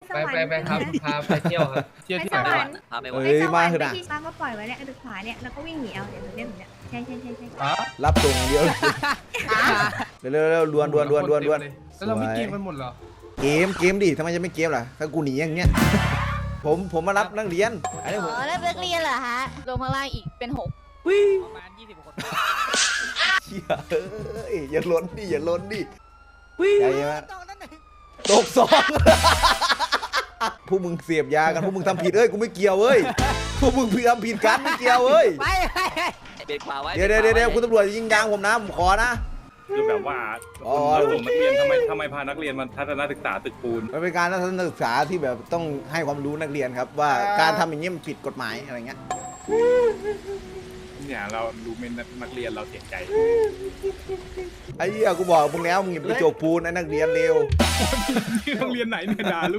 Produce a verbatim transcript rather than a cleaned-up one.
ไปไปไปครับพาไปเที่ยวครับเที่ยวที่ไหนไปสวรวะรค์พาไปเอ้วัดยไปสวมารรค์เถอะไปนะที่บ้านก็ปล่อยไว้เนี่ยดึกขวาเนี่ยแล้วก็วิ่งหนีเอาเดี๋ยวเดี๋ยวเนี่ยใช่ใช่ใช่ใช่อ๋อรับส่งอย่างเดียวเร็วเร็วเร็วดวนดวนดวนดวนดวนแล้วเราไม่เกมกันหมดเหรอเกมเกมดิทำไมจะไม่เกมล่ะถ้ากูหนีอย่างเงี้ยผมผมมารับนักเรียนอันนี้ผมอ๋อแล้วเลิกเรียนเหรอฮะรวมข้างล่างอีกเป็นหกประมาณยี่สิบคนเชี่ยเอ้ยอย่าล้นดิอย่าล้นดิใหญ่ไหมตกสองพวกมึงเสียบยากันพวกมึงทำผิดเอ้ยกูไม่เกี่ยวเอ้ยพวกมึงผิดทำผิดกันไม่เกี่ยวเอ้ยไปไปเบรกขวาไว้เดี๋ยวเดี๋ยวเดี๋ยวคุณตำรวจยิงยางผมนะผมขอนะคือแบบว่าอ๋อเราส่งนักเรียนทำไมทำไมพานักเรียนมาทัศนศึกษาตึกปูนมันเป็นการทัศนศึกษาที่แบบต้องให้ความรู้นักเรียนครับ ว่าการทำอย่างนี้มันผิดกฎหมายอะไรเงี้ยเนี่ยเราดูเป็นนักเรียนเราเสียใจไอ้เหี้ยกูบอกมึงแล้วมึงอย่าไปโจกปูนไอ้นักเรียนเร็วที่โรงเรียนไหนเนี่ยด่าลูก